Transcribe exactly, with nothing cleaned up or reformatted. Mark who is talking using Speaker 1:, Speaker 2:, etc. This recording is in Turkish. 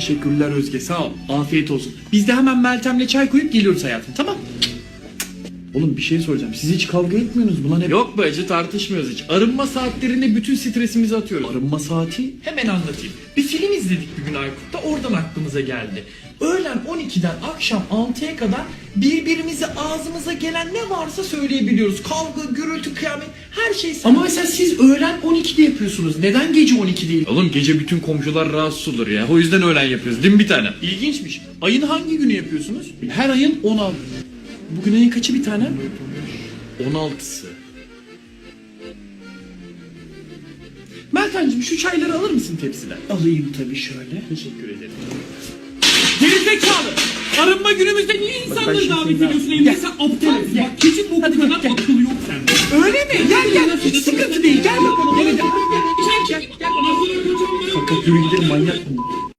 Speaker 1: Teşekkürler Özge, sağ ol. Afiyet olsun. Biz de hemen Meltem'le çay koyup geliyoruz hayatım, tamam? Oğlum bir şey soracağım. Siz hiç kavga etmiyorsunuz buna ne? Yok be acı, tartışmıyoruz hiç. Arınma saatlerinde bütün stresimizi atıyoruz. Arınma saati? Hemen anlatayım. Bir film izledik bir gün Aykut'ta, oradan aklımıza geldi. Öğlen on ikiden akşam altıya kadar birbirimize ağzımıza gelen ne varsa söyleyebiliyoruz. Kavga, gürültü, kıyamet, her şey. Ama mesela siz öğlen on ikide yapıyorsunuz. Neden gece on iki değil? Oğlum gece bütün komşular rahatsız olur ya. O yüzden öğlen yapıyoruz. Değil mi bir tane? İlginçmiş. Ayın hangi günü yapıyorsunuz? Her ayın on altı. Bugün ayın kaçı bir tane? on altısı. Meltemciğim şu çayları alır mısın tepsiden? Alayım tabii şöyle. Teşekkür ederim. Gerizekalı! Arınma günümüzde niye insanları davet ediyorsun evine? Sen aptal mısın? Bak keçin boku kadar akıl yok sende. Öyle mi? Gel gel. Hiç sıkıntı değil. Gel bakalım. Gel gel. Gel gel. Fakat yürü gidelim, manyak mı?